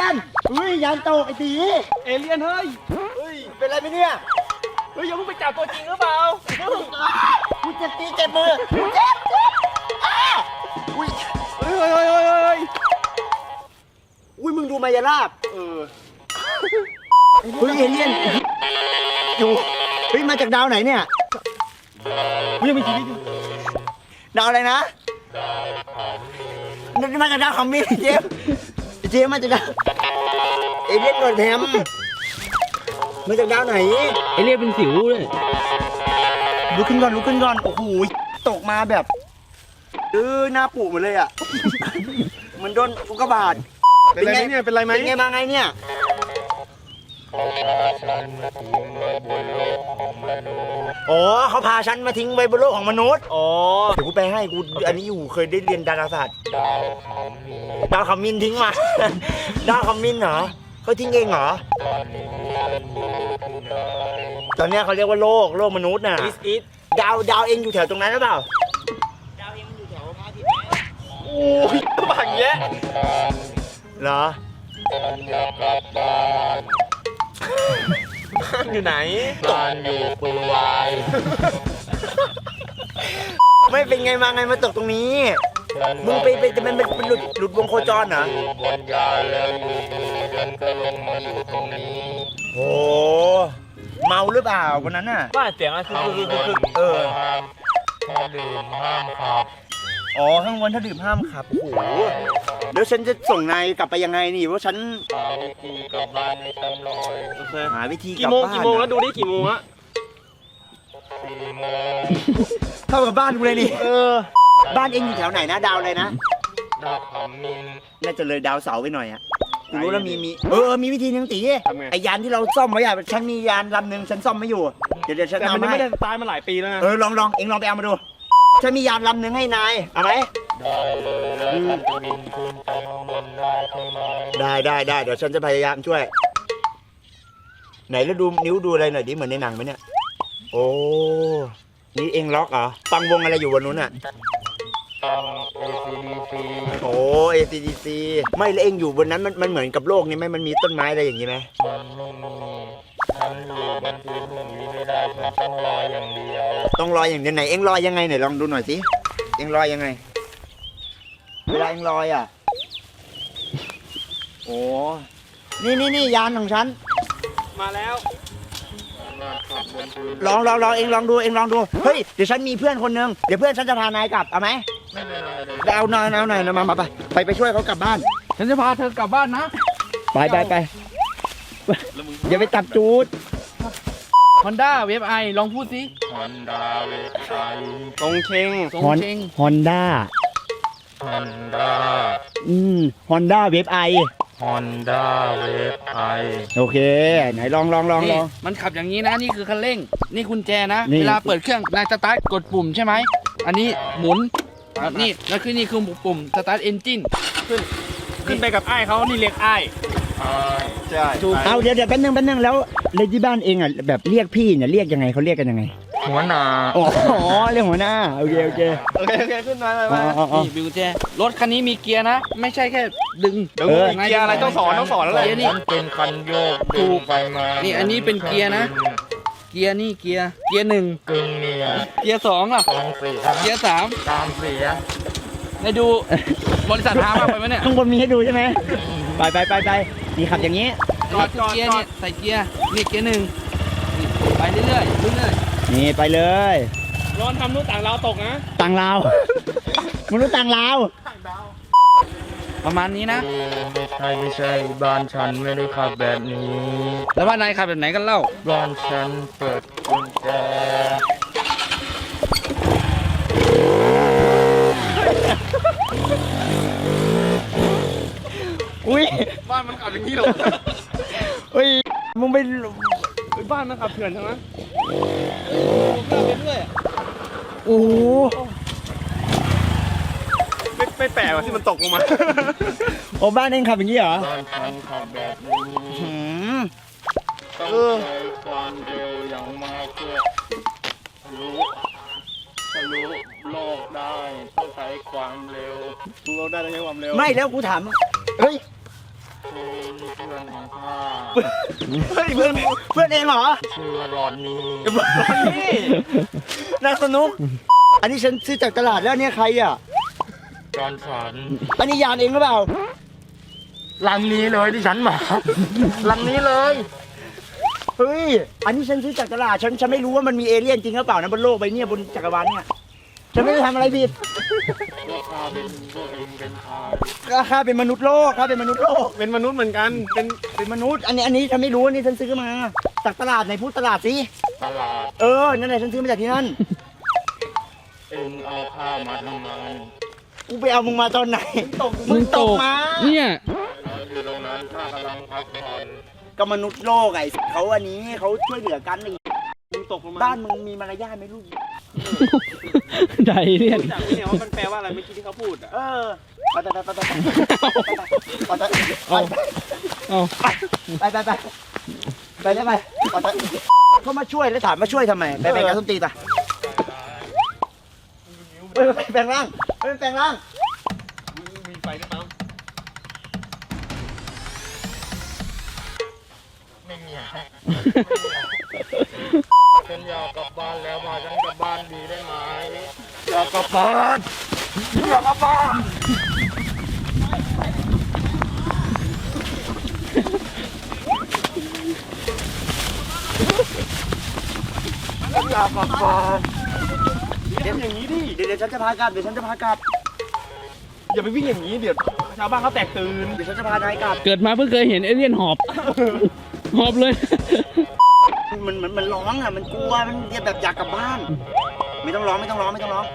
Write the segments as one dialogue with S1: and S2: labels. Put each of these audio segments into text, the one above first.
S1: นยานตกไอ้ตี
S2: เอเลี่ยนเฮ้ย
S1: เป็นไรไหมเนี่ย
S2: เฮ้ยยังไม่ไปจับตัวจริงหรือเปล่า
S1: กูเจ็บตีเจ็บมือเจ็บอุ้ย
S2: เฮ้ย
S1: อุ้ยมึงดูมายาลาบเฮ้ยเอเลี่ยนอยู่เฮ้ยมาจากดาวไหนเนี่ย
S2: ยังมีชีวิตอยู่
S1: ดาวอะไรนะมาจากดาวคอมมิวเจมมาจากดาวเอเลี่ยนโดนแถมมาจากดาวไหน
S2: เอเลี่ยนเป็นสิวเลย
S1: ลุกขึ้นก่อนโอ้โหตกมาแบบหน้าปูหมดเลยอ่ะมันโดนอุกกาบาต
S2: เป็นไรเนี่ยเป็นไรไหม
S1: เป็นไงมาไงเนี่ยอ๋อเขาพาฉันมาทิ้งไว้บนโลกของมนุษย์เดี๋ยวกูไปให้กูอันนี้อยู่เคยได้เรียนดาราศาสตร์ดาวขมิ้นทิ้งมาดาวขมิ้นเหรอเขาทิ้งเองเหรอตอนนี้เขาเรียกว่าโลกมนุษย์น่ะดาวเองอยู่แถวตรงนั้นหรือเปล่าดาวเองมันอยู่แถวพระอาทิตย์
S2: โอ้ยบังแยะ
S1: เหรอ
S2: บ้านอยู่ไหนบ้านอยู่ปุยวาย
S1: ไม่เป็นไงมาไงมาตกตรงนี้มึงไปมันหลุดวงโคจรเหรอบ
S2: นยานแล้วอยู่เดินก็ลงมาอยู่ตรงนี้
S1: โอ้เมาหรือเปล่าวันนั้นน่ะ
S2: บ้านเสียงอะไรคือถ้าดื่มห้ามขับ
S1: อ๋อข้างบนถ้าดื่มห้ามขับโอ้โหแล้วฉันจะส่งนายกลับไปยังไงนี่ว่าฉัน
S2: หาวิธีกลับบ้านให้ฉันหน่อย
S1: หาวิธีกลับบ้าน
S2: กี่โมงแล้วดูดิกี่โมงอะ4 โมง
S1: เท่ากับบ้านกูเลยนี่บ้านเองอยู่แถวไหนนะดาวอะไรนะ
S2: ดาวขมิ้น
S1: น่าจะเลยดาวเสาร์ไปหน่อยอะกูรู้แล้วมีมีวิธีนึงตีไอยานที่เราซ่อมไว้อะฉันมียานลำหนึ่งฉันซ่อมไม่อยู่เดี๋ยวฉันเอามา
S2: ไม่ได้ตายมาหลายปีแล้วนะ
S1: ลองเองลองไปเอามาดูฉันมียานลำหนึ่งให้นายเอาไหม
S2: ได้เลยแล้วจะบินขึ้นไปข้างบนได้ใช่ไหม
S1: ได้เดี๋ยวฉันจะพยายามช่วยไหนแล้วดูนิ้วดูอะไรหน่อยดิเหมือนในหนังไหมเนี่ยโอ้นี่เองล็อกเหรอฟังวงอะไรอยู่บนนู้นอ่ะ
S2: ฟัง ACDC
S1: โอ้ ACDC ไม่แล้วเองอยู่บนนั้นมันเหมือนกับโลกนี่ไหมมันมีต้นไม้อะไรอย่างนี้ไหม
S2: มันไม่มีฉันอยู่บนพื้นตรงนี้ไม่ได้ฉันต้องลอยอย่างเดียว
S1: ไหนเองลอยยังไงไหนลองดูหน่อยสิเองลอยยังไงเวลาเองลอยอ่ะโอ้นี่ยานของฉัน
S2: มาแล้ว
S1: ลองเองลองดูเฮ้ยเดี๋ยวฉันมีเพื่อนคนนึงเดี๋ยวเพื่อนฉันจะพานายกลับเอาไหม
S2: ไม่เป็นไร
S1: เอาหน่อยนะมาไปช่วยเขากลับบ้าน
S2: ฉันจะพาเธอกลับบ้านนะ
S1: ไปอย่าไปตัดจูด
S2: Honda Wave i ลองพูดสิ Honda Wave i ตรงเชง
S1: Honda Honda Wave i
S2: Honda Wave i
S1: โอเคไหนลอง
S2: มันขับอย่างนี้นะนี่คือคันเร่งนี่กุญแจนะเวลาเปิดเครื่องนายสตาร์ทกดปุ่มใช่ไหมอันนี้หมุนนี่แล้วคือนี่คือปุ่มสตาร์ทเอนจินขึ้นไปกับไอ้เขานี่เรียกไอ้
S1: ใช่เอาเดี๋ยวแป๊บนึงแล้วเลยที่บ้านเองอ่ะแบบเรียกพี่เนี่ยเรียกยังไงเขาเรียกกันยังไง
S2: หัวหน้า
S1: อ๋อเรียกหัวหน้าโอเค
S2: ขึ้นมานี่บิวแจรถคันนี้มีเกียร์นะไม่ใช่แค่ดึงเกียร์อะไรต้องสอนแล้วแหละนี่เป็นคันโยกถูกไปมานี่อันนี้เป็นเกียร์นะเกียร์นี่เกียร์1กึ่งเนี่ยเกียร์2ล่ะเกียร์3ตามเสียให้ดูบริษัทพามากไปไหมเนี่ย
S1: ข้างบนมีให้ดูใช่ไหมไปนี่ขับอย่างนี้
S2: เกียร์เนี่ยใส่เกียร์นี่เกียร์1ไปเรื่อย
S1: นี่ไปเลย
S2: ร้อนทำนู้นต่างลาวตกนะ
S1: ต่างลาวมนุษย์ต่างลาว
S2: ประมาณนี้นะไม่ใช่บ้านฉันไม่ได้ขับแบบนี้แล้วบ้านนายขับแบบไหนกันเล่าบ้านฉันเปิดกุญแจ
S1: อุ้ย
S2: บ้านมันขับอย่างนี้หรอ
S1: อุ้ยมึงไป
S2: บ้านมันขับเถื่อนใช่ไหมเพื่อนไปเรื่อย
S1: โอ้
S2: ไม่แปลกว่าที่มันตกลงมา
S1: โอ้บ้านเองขับอย่างนี้เหรอ
S2: บ้านฉันขับแบบนี้ต้องใช้ความเร็วอย่างมากเพื่อรู้โลกได้ต้องใช้ความเร็วรู้โลกได้ต้องใช้ความเร็ว
S1: ไม่แล้วกูถามเฮ้ยเฮ้ยเพื่อนเองเหรอ
S3: ชื่อรอนนี่
S1: นักสนุกอันนี้ฉันซื้อจากตลาดแล้วเนี่ยใครอ่ะ
S3: จอนสัน
S1: อันนี้ยานเองหรือเปล่า
S3: ลังนี้เลยที่ฉันมาลังนี้เลย
S1: เฮ้ยอันนี้ฉันซื้อจากตลาดฉันไม่รู้ว่ามันมีเอเลี่ยนจริงหรือเปล่านะบนโลกใบนี้บนจักรวาลเนี่ยฉันไม่ได้ทำอะไรผิด
S3: ราคาเป็นพวกเองเป็นชาย
S1: ก็ข้าเป็นมนุษย์โลกข้าเป็นมนุษย์โลก
S4: เป็นมนุษย์เหมือนกัน
S1: เป็นมนุษย์อันนี้ฉันไม่รู้อันนี้ฉันซื้อมาจากตลาดไหนพูดตลาดสิ
S3: ตลาด
S1: นั่นแหละฉันซื้อมาจากที่นั่น
S3: เองเอาข้าวมาทำไม
S1: กูไปเอามึงมาตอนไหนมึงตกมา
S2: เนี่ย
S3: เราอยู่ตรงนั้นข้ากำลังพักผ่อน
S1: ก็มนุษย์โลกไอ้เขาอันนี้เขาช่วยเหลือกันไอ้
S4: มึงตกลงมา
S1: บ้านมึงมีมารยาทไหมลูก
S2: ไดเรียน
S4: รู้จักไหมเนี่ยว่ามันแปลว่าอะไรเมื่อกี้ที่เขาพูดอ่ะ
S1: ไปไปไปไปไปไป
S2: เอา
S1: ไปไปได้ไปเขามาช่วยแล้วถามมาช่วยทำไมไปแบ่งกันส้นตีนอ่ะไปแปลงร่างไปแปลงร่าง
S4: มีไฟหรือเปล่า
S3: ไม่มีฮะฉันอยากกลับบ้านแล้วพาฉันกลับบ้านดีได้ไหมอยากกลับบ้านอยากกลับบ้านอยากกลับบ้าน
S4: เดี๋ยวอย่างนี้ดิ
S1: เดี๋ยวฉันจะพากลับเดี๋ยวฉันจะพากลับ
S4: อย่าไปวิ่งอย่างนี้เดี๋ยวชาวบ้านเขาแตกตื่น
S1: เดี๋ยวฉันจะพานายกลับ
S2: เกิดมาเพิ่งเคยเห็นเอเลี่ยนหอบ หอบเลย
S1: มันร้องอ่ะมันกลัวมันแบบอยากกลับบ้าน ไม่ต้องร้องไม่ต้องร้องไม่ต้องร้อง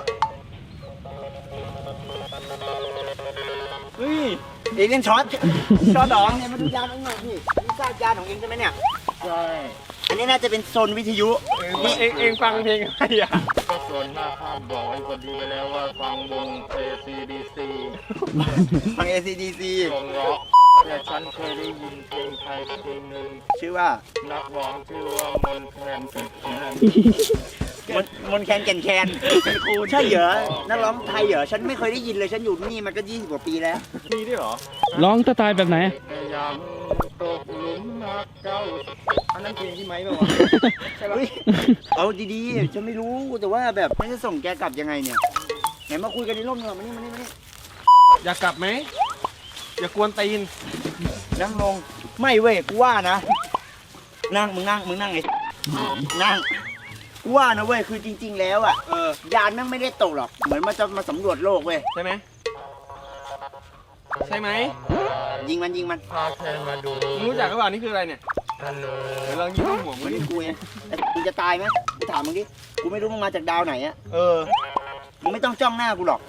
S4: เฮ้ย
S1: เอเลี่ยนช็อตดองเนี่ยมาดูยานของหน่อยพี่นี่ทราบยานของเองใช่ไหมเนี่ย
S3: ใช่
S1: อันนี้น่าจะเป็นโซนวิทยุ
S4: เองฟังเพลงอะไรอ่ะ
S3: ก็ส่วนมากข้ามบอกไอ้คนดีไปแล้วว่าฟังวง ACDC
S1: ฟัง ACDC
S3: วงร็อกแต่ฉันเคยได้ยินเพลงไทยเพลงหนึ่ง
S1: ชื่อว่า
S3: นักร้องชื่อว่ามนต์แคน
S1: มนแคนแก่นแคนครูใช่เหรอนักร้องไทยเหรอฉันไม่เคยได้ยินเลยฉันอยู่นี่มันก็20 กว่าปีแล้ว
S4: มีด้วยเหรอ
S2: ร้องสไตล์แบบไหน
S3: พยายามตกหลุมรักเจ้า
S4: อันนั้นเพลงที่ไม้ป่าวะ
S1: ใช่ปะเอาดีๆฉันไม่รู้แต่ว่าแบบไม่จะส่งแกกลับยังไงเนี่ยไหนมาคุยกันในร่มหน่อยมานี่
S4: อยากกลับไหมอย่ากวนตีน
S1: นั่งลงไม่เว้ยกูว่านะนั่งมึงนั่งไงนั่งกูว่านะเว้ยคือจริง ๆ แล้วอ่ะยานแม่งไม่ได้ตกหรอกเหมือนมันจะมาสำรวจโลกเว้ย
S4: ใช่ไหมใช่ไหม
S1: ยิงมัน
S3: พาแคนมาดู
S4: มึงรู้จักหรือเปล่านี่คืออะไรเนี่ย
S3: ฮัลโหล
S4: เดี๋ยวลองยิงหัวมึ
S1: มัน
S4: งดิ
S1: นี่กูไงแต่มึงจะตายไหมกูถามมึงดิกูไม่รู้มึงมาจากดาวไหนอ่ะมึงไม่ต้องจ้องหน้ากูหรอก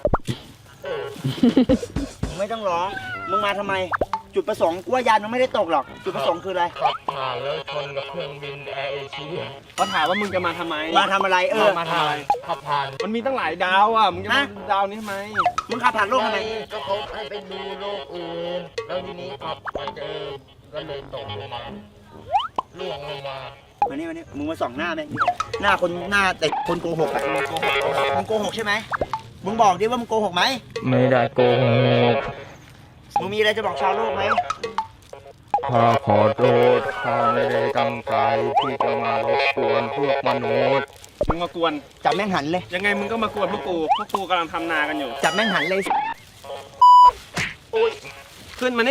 S1: มึงไม่ต้องร้องมึงมาทำไม จุดประสงค์กูว่ายานมันไม่ได้ตกหรอก จุดประสงค์คืออะไร
S3: ขับผ่านแล้วชนกับเครื่องบินแอร์เอเชีย
S4: เขาถามว่ามึงจะมาทำไม
S1: มาทำอะไร
S4: มาทำอะไร
S3: ขับผ่าน
S4: มันมีตั้งหลายดาวอ่ะ มึงจะมา
S1: ฮะ
S4: ดาวนี้ทำไม
S1: มึงขับผ่านโลกทำไม
S3: ก็เขาให้ไปดูโลกอื่น แล้วทีนี้ขับไปเจอก็เลยตกลงมาล่วงลงมา
S1: มานี่มึงมาส่องหน้าไหมหน้าคนหน้าแต่คนโกหกอ่ะมึงโกหกใช่ไหมมึงบอกดิว่ามึงโกหกไหม
S3: ไม่ได้โกหก
S1: มึงมีอะไรจะบอกชาวโลกไหม
S3: ข้าขอโทษข้าไม่ได้ตั้งใจที่จะมารบกวนพวกมนุษย์
S4: มึงมากวน
S1: จับแม่งหันเลย
S4: ยังไงมึงก็มากวนพวกกูกำลังทำนากันอยู่
S1: จับแม่งหันเลย
S4: ขึ้นมานี่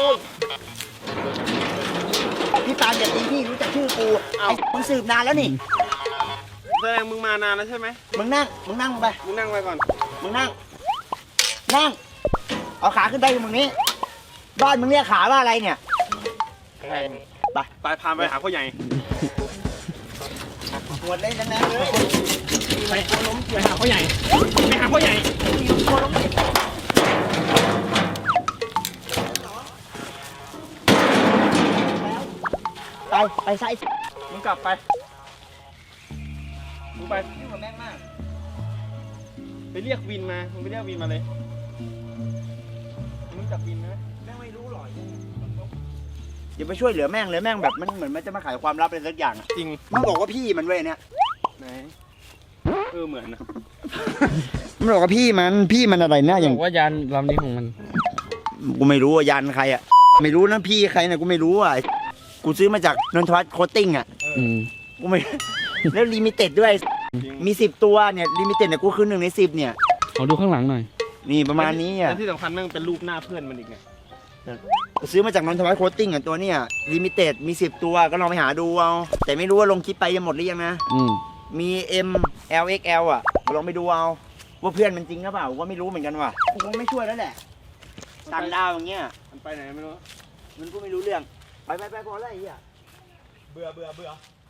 S1: พี่ตาลอย่าตีพี่รู้จักชื่อกูไอ้มึงสืบนานแล้วนี่
S4: แสดงมึงมานานแล้วใช่ไหม
S1: มึงนั่งไป
S4: มึงนั่งไว้ก่อน
S1: มึงนั่งเอาขาขึ้นไปมึงนี้บ้านมึงเรียกขาว่าอะไรเนี่ย
S3: แข่ง
S4: ไปพาไปหาพ่อใหญ่
S1: ปวดเลยแรงๆเลย
S4: ไปหาพ่อใหญ่ ไปหาพ่อใหญ่
S1: ไปซะไอ้
S4: มึงกลับไป มึงไป
S1: ยุ่งกับแม่งมาก
S4: ไปเรียกวินมา มึงไปเรียกวินมาเลย มึงจับวินไหม
S1: แม่งไม่รู้หรอกอย่าไปช่วยเหลือแม่งเลยแม่งแบบมันเหมือนมันจะมาขายความลับอะไรสักอย่างอะ
S4: จริง
S1: มันบอกว่าพี่มันเว้ยเนี่ย
S4: ไหนเหมือนนะ
S1: มันบอกว่าพี่มันอะไรนะอย่าง
S2: บอกว่ายานลำนี้ของมัน
S1: กูไม่รู้ว่ายันใครอะไม่รู้นะพี่ใครนะกูไม่รู้อ่ะกูซื้อมาจากนนทวัฒน์โคตติ้งอ่ะ กูไม่ แล้วลิมิเต็ดด้วยมี10 ตัวเนี่ยลิมิเต็ดเนี่ยกูคือ1 ใน 10เนี่ย
S2: ขอดูข้างหลังหน่อย
S1: นี่ประมาณนี้อ่ะ
S4: และที่สำคัญแม่งเป็นรูปหน้าเพื่อนมันอีกไง
S1: กูซื้อมาจากนนทวัฒน์โคตติ้งอ่ะตัวเนี่ยลิมิเต็ดมี10 ตัวก็ลองไปหาดูเอาแต่ไม่รู้ว่าลงคลิปไปยังหมดหรือยังนะมี M L X L อ่ะลองไปดูเอาว่าเพื่อนมันจริงหรือเปล่ากูก็ไม่รู้เหมือนกันว่ะกูคงไม่ช่วยแล้วแหละต่างดาวอย่างเงี้ย
S4: มันไปไหนไม่รู้
S1: มันก็ไม่รู้เรื่องไปพอแล้วไอ้เหี้ย
S4: เบื่อ